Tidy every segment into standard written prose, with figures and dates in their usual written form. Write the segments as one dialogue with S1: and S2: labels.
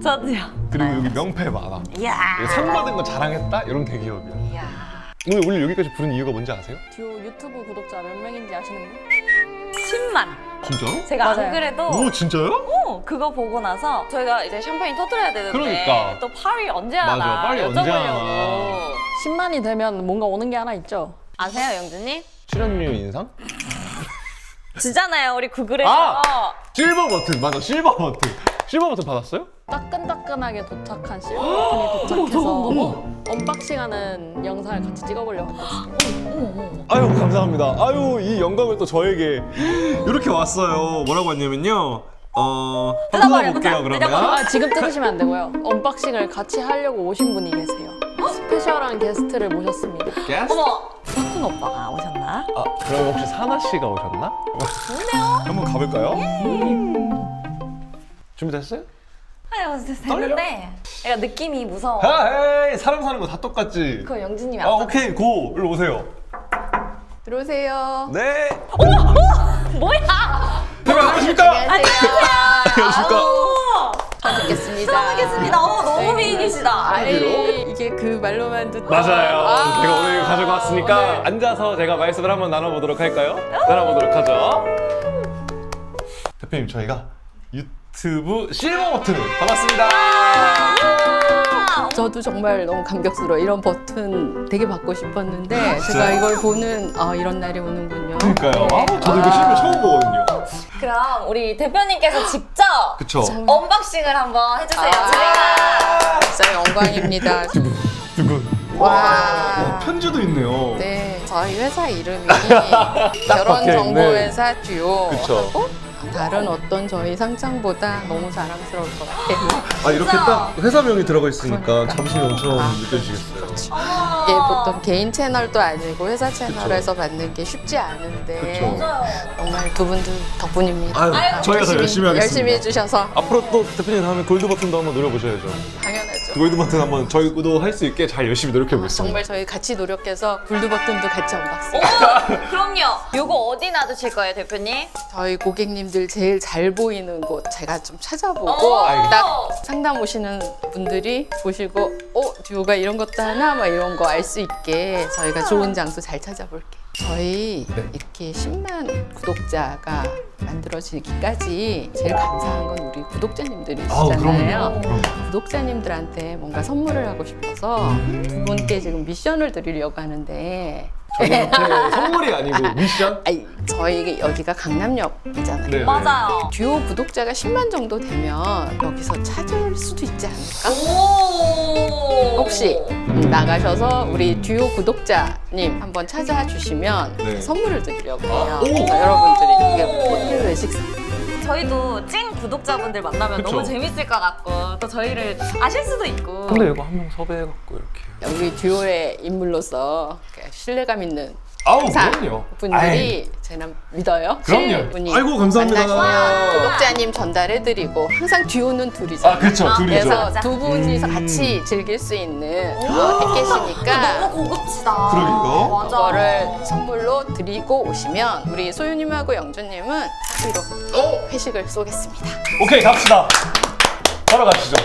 S1: 저도요.
S2: 그리고 여기 명패 많아.
S1: 이야.
S2: 상 받은 거 자랑했다? 이런 대기업이야.
S1: 이야.
S2: 오늘 여기까지 부른 이유가 뭔지 아세요?
S3: 듀오 유튜브 구독자 몇 명인지 아시는 분?
S1: 10만.
S2: 진짜로?
S1: 제가
S3: 맞아요.
S1: 안 그래도
S2: 오 진짜요?
S1: 그거 보고 나서 저희가 이제 샴페인 터뜨려야 되는데
S2: 그러니까.
S1: 또 파리 언제 하나
S2: 맞아, 파리 언제
S1: 여쭤보려고.
S2: 하나.
S3: 10만이 되면 뭔가 오는 게 하나 있죠?
S1: 아세요, 영준님?
S2: 출연료 인상?
S1: 주잖아요, 우리 구글에서.
S2: 아! 실버 버튼 맞아, 실버 버튼. 실버 버튼 받았어요?
S3: 따끈따끈하게 도착한 실버 버튼이 도착해서 언박싱하는 영상을 같이 찍어보려고 했거든요.
S2: 아유 감사합니다. 아유 이 영광을 또 저에게 이렇게 왔어요. 뭐라고 왔냐면요. 한번 볼게요 그러면.
S3: 아, 지금 뜯으시면 안 되고요. 언박싱을 같이 하려고 오신 분이 계세요. 스페셜한 게스트를 모셨습니다.
S2: 게스트?
S1: 어머, 석훈 오빠가 오셨나?
S2: 아 그럼 혹시 사나 씨가 오셨나?
S1: 좋네요.
S2: 한번 가볼까요? 준비됐어요?
S1: 아유, 됐는데 약간 느낌이 무서워.
S2: 에이 사람 사는 거 다 똑같지.
S1: 그거 영준님이
S2: 아
S1: 아까
S2: 오케이 고 일로 오세요.
S3: 들어오세요.
S2: 네.
S1: 뭐야?
S2: 대박 안녕하십니까?
S1: 안녕하세요.
S3: 잘 듣겠습니다.
S1: 수고하겠습니다. 너무 미인이시다.
S3: 아이, 이게 그 말로만 듣던
S2: 맞아요. 제가 오늘 가지고 왔으니까 앉아서 제가 말씀을 한번 나눠보도록 할까요? 나눠보도록 하죠. 대표님 저희가 유튜브 실버 버튼을 받았습니다.
S3: 저도 정말 너무 감격스러워. 이런 버튼 되게 받고 싶었는데
S2: 진짜요?
S3: 제가 이걸 보는 이런 날이 오는군요.
S2: 그러니까요.
S3: 네.
S2: 저도 이거 실버 처음 보거든요.
S1: 그럼 우리 대표님께서 직접
S2: 그쵸?
S1: 언박싱을 한번 해주세요.
S3: 아.
S1: 저희가
S3: 진짜 영광입니다.
S2: 두근.
S3: 와.
S2: 편지도 있네요.
S3: 네, 저희 회사 이름이
S2: 박혀있네.
S3: 결혼정보회사 듀오.
S2: 그쵸.
S3: 다른 어떤 저희 상장보다 너무 자랑스러울 것 같아요.
S2: 아 이렇게 딱 회사명이 들어가 있으니까
S3: 그러니까.
S2: 자부심이 엄청
S3: 아,
S2: 느껴지겠어요.
S3: 이게 보통 개인 채널도 아니고 회사 채널에서 받는 게 쉽지 않은데
S2: 그쵸.
S3: 정말 두 분들 덕분입니다.
S2: 아유, 저희가 더 열심히 하겠습니다.
S3: 열심히 해주셔서
S2: 앞으로 또 대표님 다음에 골드 버튼도 한번 노려보셔야죠.
S3: 당연하죠.
S2: 골드 버튼 한번 저희도 할 수 있게 잘 열심히 노력해 보겠습니다.
S3: 정말 저희 같이 노력해서 골드 버튼도 같이 언박싱.
S1: 그럼요. 요거 어디 놔두실 거예요, 대표님?
S3: 저희 고객님들 제일 잘 보이는 곳 제가 좀 찾아보고
S2: 알겠습니다.
S3: 딱 상담 오시는 분들이 보시고 듀오가 이런 것도 하나 막 이런 거 알 수 있게 저희가 좋은 장소 잘 찾아볼게요. 저희
S2: 네.
S3: 이렇게 10만 구독자가 만들어지기까지 제일 감사한 건 우리 구독자님들이시잖아요.
S2: 그럼요.
S3: 구독자님들한테 뭔가 선물을 하고 싶어서 두 분께 지금 미션을 드리려고 하는데
S2: 저희한테 선물이 아니고 미션?
S3: 아니, 저희 여기가 강남역이잖아요.
S2: 네.
S1: 맞아요.
S3: 듀오 구독자가 10만 정도 되면 여기서 찾을 수도 있지 않을까?
S1: 오.
S3: 혹시 나가셔서 우리 듀오 구독자님 한번 찾아주시면
S2: 네.
S3: 선물을 드리려고 해요.
S2: 오.
S3: 그래서 여러분들이 이게 호텔 외식사
S1: 저희도 찐 구독자분들 만나면
S2: 그쵸.
S1: 너무 재밌을 것 같고 또 저희를 아실 수도 있고.
S2: 근데 이거 한 명 섭외해갖고 이렇게.
S3: 우리 듀오의 인물로서 신뢰감 있는
S2: 아우
S3: 사
S2: 그럼요.
S3: 분들이 제가 믿어요.
S2: 그럼요.
S3: 분이
S2: 아이고, 감사합니다.
S3: 만나시면 구독자님 전달해드리고 항상 듀오는 둘이잖아요.
S2: 아 그렇죠 둘이죠.
S3: 그래서 두 분이서 같이 즐길 수 있는 패키지니까
S1: 너무 고급지다.
S2: 그러게요.
S1: 맞아.
S3: 그거를 선물로 드리고 오시면 우리 소유님하고 영주님은 사비로 회식을 쏘겠습니다.
S2: 오케이 갑시다. 바로 가시죠.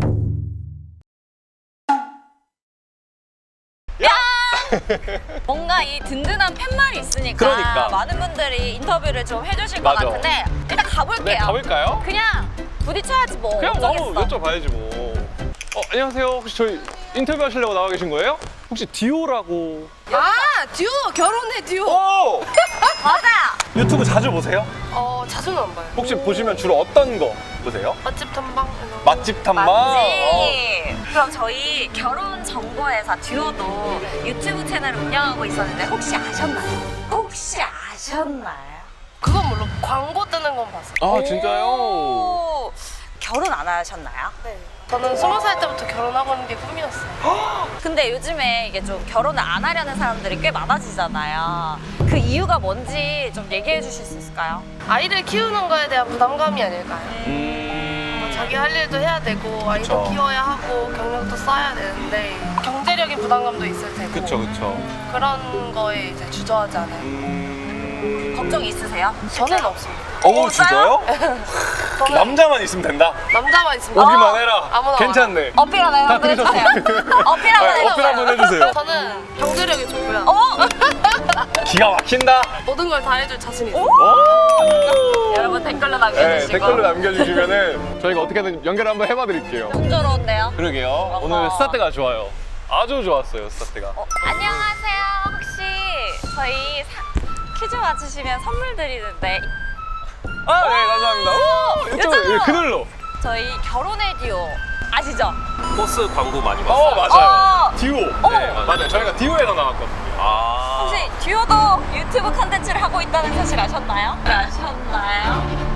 S1: 뭔가 이 든든한 팻말이 있으니까
S2: 그러니까.
S1: 많은 분들이 인터뷰를 좀 해주실
S2: 맞아.
S1: 것 같은데 일단 가볼게요.
S2: 네 가볼까요?
S1: 그냥 부딪혀야지 뭐.
S2: 그냥
S1: 어쩌겠어.
S2: 너무 여쭤봐야지 뭐. 안녕하세요. 혹시 저희 인터뷰 하시려고 나와 계신 거예요? 혹시 디오라고?
S4: 듀오 결혼해 듀오.
S2: 오!
S1: 맞아.
S2: 유튜브 자주 보세요?
S4: 자주는 안 봐요.
S2: 혹시 보시면 주로 어떤 거 보세요?
S4: 맛집 탐방 이런 거.
S2: 맛집 탐방?
S1: 맞지. 그럼 저희 결혼 정보회사 듀오도 유튜브 채널을 운영하고 있었는데 혹시 아셨나요? 혹시 아셨나요?
S4: 그건 물론 광고 뜨는 건 봤어요.
S2: 아 진짜요?
S1: 오, 결혼 안 하셨나요?
S4: 네. 저는 20살 때부터 결혼하고 있는 게 꿈이었어요.
S1: 근데 요즘에 이게 좀 결혼을 안 하려는 사람들이 꽤 많아지잖아요. 그 이유가 뭔지 좀 얘기해 주실 수 있을까요?
S4: 아이를 키우는 거에 대한 부담감이 아닐까요? 자기 할 일도 해야 되고 아이도
S2: 그쵸.
S4: 키워야 하고 경력도 쌓아야 되는데 경제력인 부담감도 있을 테고
S2: 그쵸.
S4: 그런 거에 이제 주저하지 않아요.
S1: 걱정 있으세요?
S4: 저는 없습니다.
S2: 오 진짜요?
S4: 저는
S2: 남자만 있으면 된다.
S4: 남자만 있습니다.
S2: 오기만 해라.
S4: 아무나
S2: 괜찮네.
S1: 어필 한번
S2: 다
S1: 해주세요.
S2: 들으셨어요?
S1: 어필 한번 해주세요.
S2: 어필 한번 해주세요.
S4: 저는 경제력이 좋고요.
S2: 기가 막힌다.
S4: 모든 걸 다 해줄 자신 있어요.
S2: 오!
S1: 여러분 댓글로
S2: 네,
S1: 남겨주시고.
S2: 댓글로 남겨주시면은 저희가 어떻게든 연결 한번 해봐드릴게요.
S1: 풍조로운데요.
S2: 그러게요. 오늘 스타트가 좋아요. 아주 좋았어요, 스타트가.
S1: 안녕하세요. 혹시 저희 퀴즈 맞추시면 선물 드리는데
S2: 아, 네, 감사합니다. 오! 이쪽으로,
S1: 요즘은-
S2: 예, 그늘로.
S1: 저희 결혼의 듀오 아시죠?
S5: 버스 광고 많이 봤어요.
S2: 맞아요. 듀오.
S5: 네,
S2: 맞아요. 저희가 듀오에서 나왔거든요.
S5: 아,
S1: 혹시 듀오도 유튜브 컨텐츠를 하고 있다는 사실 아셨나요? 아셨나요?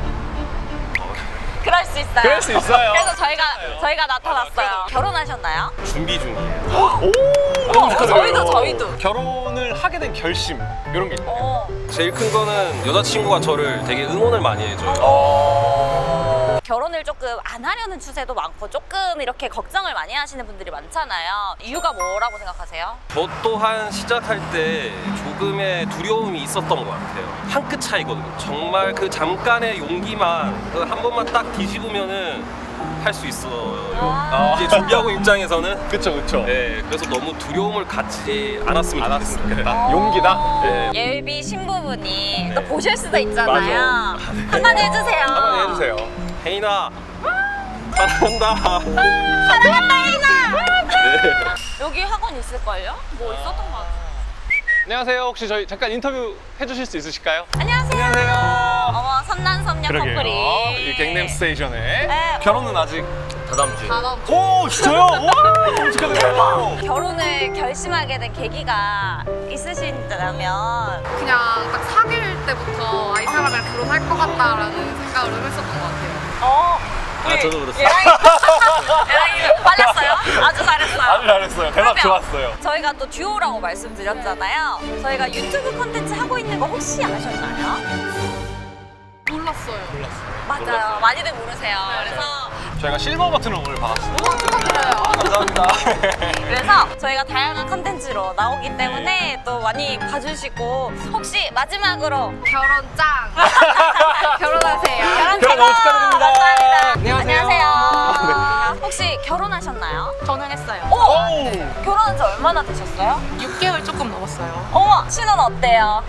S1: 그럴 수 있어요.
S2: 그럴 수 있어요.
S1: 그래서 저희가 나타났어요. 결혼하셨나요?
S5: 준비 중이에요.
S2: 오! 너무 축하드려요.
S1: 저희도.
S2: 결혼을 하게 된 결심, 이런 게 있나요?
S1: 어.
S5: 제일 큰 거는 여자친구가 저를 되게 응원을 많이 해줘요.
S1: 결혼을 조금 안 하려는 추세도 많고 조금 이렇게 걱정을 많이 하시는 분들이 많잖아요. 이유가 뭐라고 생각하세요?
S5: 저 또한 시작할 때 조금의 두려움이 있었던 것 같아요. 한 끗 차이거든요. 정말 그 잠깐의 용기만 그한 번만 딱 뒤집으면은 할 수 있어요. 이제 준비하고 입장에서는
S2: 그쵸, 그쵸.
S5: 네, 그래서 너무 두려움을 갖지 않았으면
S2: 알았으면
S5: 좋겠어요.
S2: 좋겠다. 용기다. 네.
S1: 예비 신부분이 또 보실 수도 있잖아요.
S2: 맞아.
S1: 한마디 해주세요.
S2: 한번 해주세요.
S5: 혜인아, 사랑한다.
S1: 사랑한다 혜인아.
S5: 네.
S1: 여기 학원 있을걸요? 뭐 있었던 것 같아요.
S2: 안녕하세요. 혹시 저희 잠깐 인터뷰 해주실 수 있으실까요?
S1: 안녕하세요.
S2: 안녕하세요.
S1: 어머 선남선녀 커플이.
S2: 이 갱남 스테이션에
S1: 네.
S2: 결혼은 아직.
S5: 다다음 주에.
S2: 오, 진짜요? 오, 너무 축하드려요.
S1: 결혼을 결심하게 된 계기가 있으신다면
S6: 그냥 딱 사귈 때부터 이 사람이랑 결혼할 것 같다라는 생각을 했었던 것 같아요.
S5: 저도 그렇습니다.
S1: 예랑이 빨랐어요? 아주 잘했어요.
S2: 아주 잘했어요. 대박
S1: 그러면
S2: 좋았어요.
S1: 저희가 또 듀오라고 말씀드렸잖아요. 저희가 유튜브 콘텐츠 하고 있는 거 혹시 아셨나요?
S6: 몰랐어요.
S1: 맞아요. 많이들 모르세요. 그래서
S2: 저희가 실버 버튼을 오늘 받았어요.
S6: 축하드려요.
S2: 감사합니다.
S1: 그래서 저희가 다양한 컨텐츠로 나오기 때문에 또 많이 봐주시고 혹시 마지막으로
S6: 결혼 짱. 결혼하세요.
S1: 결혼
S2: 결혼 너무 축하드립니다.
S1: 감사합니다.
S2: 안녕하세요.
S1: 혹시 결혼하셨나요?
S6: 저는 했어요.
S1: 오! 결혼한 지 얼마나 되셨어요?
S6: 6개월 조금 넘었어요.
S1: 어머! 신혼 어때요?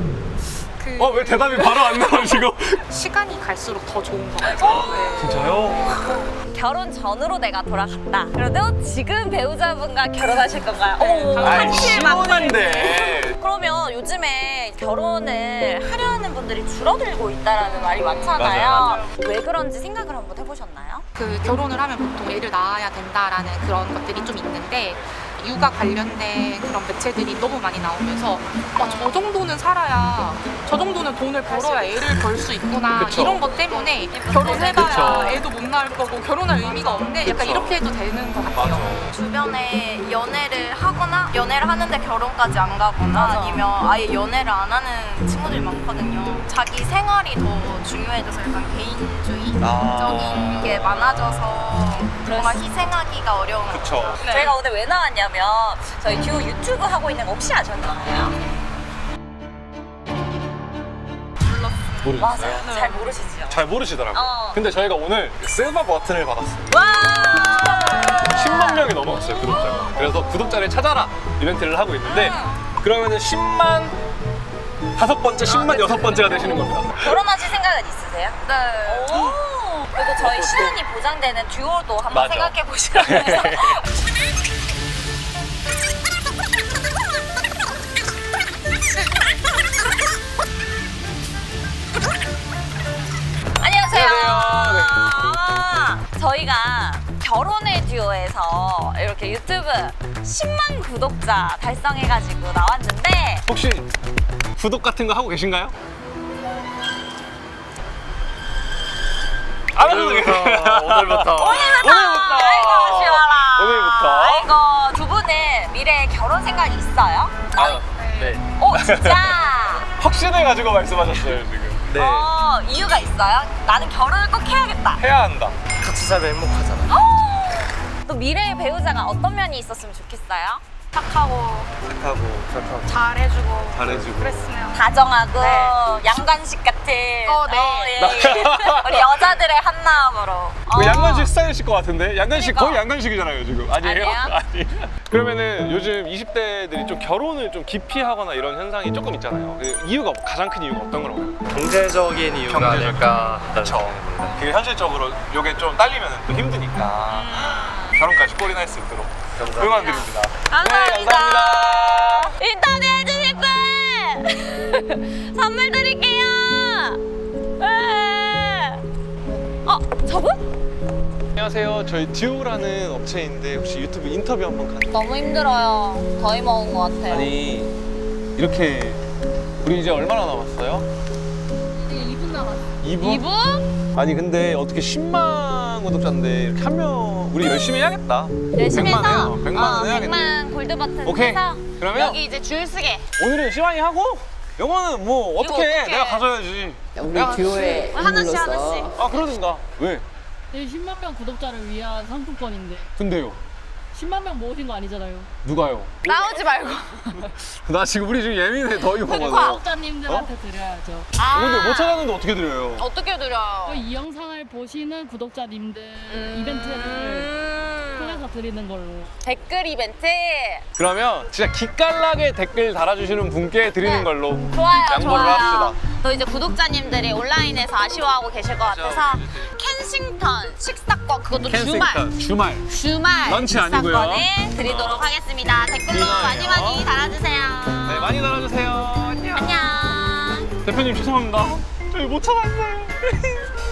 S2: 왜 대답이 바로 안 나오시고?
S6: 시간이 갈수록 더 좋은 것 같아요. 네.
S2: 진짜요?
S1: 결혼 전으로 내가 돌아갔다. 그래도 지금 배우자분과 결혼하실 건가요? 오,
S2: 아이,
S1: 한실망설.
S2: 신혼인데.
S1: 그러면 요즘에 결혼을 하려는 분들이 줄어들고 있다라는 말이 많잖아요.
S2: 맞아요.
S1: 왜 그런지 생각을 한번 해보셨나요?
S7: 그 결혼을 하면 보통 애를 낳아야 된다라는 그런 것들이 좀 있는데 육아 관련된 그런 매체들이 너무 많이 나오면서 저 정도는 살아야 저 정도는 돈을 벌어야 애를 벌 수 있구나
S2: 그쵸.
S7: 이런 것 때문에 결혼해봐야
S2: 그쵸.
S7: 애도 못 낳을 거고 결혼할 의미가 없네 약간
S2: 그쵸.
S7: 이렇게 해도 되는 것 같아요.
S8: 주변에 연애를 하거나 연애를 하는데 결혼까지 안 가거나 아니면 아예 연애를 안 하는 친구들이 많거든요. 자기 생활이 더 중요해져서 약간 개인주의적인 게 많아져서 정말 희생하기가 어려운 것 같아요.
S2: 그쵸.
S1: 저희가 오늘 왜 나왔냐면 저희 듀오 유튜브 하고 있는 거 혹시 아셨나요?
S2: 모르셨어요?
S1: 맞아요. 잘 모르시죠?
S2: 잘 모르시더라고요.
S1: 어.
S2: 근데 저희가 오늘 실버 버튼을 받았어요.
S1: 와!
S2: 10만 명이 넘어갔어요, 구독자가. 그래서 구독자를 찾아라 이벤트를 하고 있는데 그러면은 10만 5번째, 10만 6번째가 되시는 겁니다.
S1: 결혼하실 생각은 있으세요?
S8: 네.
S1: 오! 그리고 저희 시간이 보장되는 듀오도 한번
S2: 맞아.
S1: 생각해 보시라면서. 안녕하세요. 저희가 결혼의 듀오에서 이렇게 유튜브 10만 구독자 달성해가지고 나왔는데
S2: 혹시 구독 같은 거 하고 계신가요? 안 하셔도 돼요. 오늘부터.
S1: 아이고 아쉬워라.
S2: 오늘부터.
S1: 아이고 두 분은 미래에 결혼 생각이 있어요?
S5: 네.
S1: 오 진짜?
S2: 확신을 가지고 말씀하셨어요, 지금.
S5: 네.
S1: 이유가 있어요? 나는 결혼을 꼭 해야겠다.
S2: 해야 한다.
S5: 같이 살면 행복하잖아.
S1: 또 미래의 배우자가 어떤 면이 있었으면 좋겠어요?
S8: 착하고 잘해주고
S2: 잘해주고.
S8: 그랬으면.
S1: 다정하고
S8: 네.
S1: 양관식 같은.
S8: 네.
S1: 예. 우리 여자들의 한 마음으로.
S2: 그 양관식 스타일이실 것 같은데? 양관식
S1: 그러니까.
S2: 거의 양관식이잖아요 지금. 아니에요?
S1: 아니에요?
S2: 아니. 그러면은 요즘 20대들이 좀 결혼을 좀 기피하거나 이런 현상이 조금 있잖아요. 그 이유가 가장 큰 이유가 어떤 거라고 생각해요?
S9: 경제적인 이유가 아닐까.
S2: 그렇죠. 그게 현실적으로 이게 좀 딸리면 또 힘드니까 결혼까지 꼴이나 할 수 있도록 응원드립니다.
S1: 감사합니다. 인터뷰 해주실 분 선물 드릴게요. 저분?
S2: 안녕하세요. 저희 듀오라는 업체인데 혹시 유튜브 인터뷰 한번 가능해요?
S1: 너무 힘들어요. 더위 먹은 것 같아요.
S2: 아니 이렇게 우리 이제 얼마나 남았어요?
S6: 이제 2분 남았어요.
S2: 2분?
S1: 2분?
S2: 아니 근데 어떻게 10만 구독자인데 이렇게 한 명 우리 열심히 해야겠다.
S1: 열심히
S2: 100만
S1: 해서
S2: 해요. 100만 해야겠네.
S1: 100만 골드 버튼
S2: 오케이.
S1: 해서
S2: 그러면
S1: 여기 이제 줄 쓰게.
S2: 오늘은 시완이 하고 영어는 뭐 어떻게 해?
S1: 어떡해.
S2: 내가 가져야지.
S3: 우리
S2: 내가
S3: 듀오의
S1: 하나씩
S3: 인물로서
S1: 하나씩.
S2: 아 그러든가. 왜?
S6: 10만 명 구독자를 위한 상품권인데
S2: 근데요?
S6: 10만 명 모으신 거 아니잖아요.
S2: 누가요?
S1: 나오지 말고.
S2: 나 지금 우리 지금 예민해 더위 먹어서.
S6: 구독자님들한테 드려야죠.
S2: 근데 못 찾았는데 어떻게 드려요?
S1: 어떻게 드려요?
S6: 이 영상을 보시는 구독자님들 이벤트를 통해서 드리는 걸로.
S1: 댓글 이벤트.
S2: 그러면 진짜 기깔나게 댓글 달아주시는 분께 드리는 걸로
S1: 좋아요,
S2: 양보를
S1: 좋아요.
S2: 합시다.
S1: 또 이제 구독자님들이 온라인에서 아쉬워하고 계실 것 같아서 켄싱턴 식사권 그것도 주말
S2: 런치 아니고요.
S1: 식사권을 드리도록 하겠습니다. 댓글로
S2: 디너예요.
S1: 많이 많이 달아주세요.
S2: 네, 많이 달아주세요. 안녕.
S1: 안녕.
S2: 대표님 죄송합니다. 저희 못 찾았어요.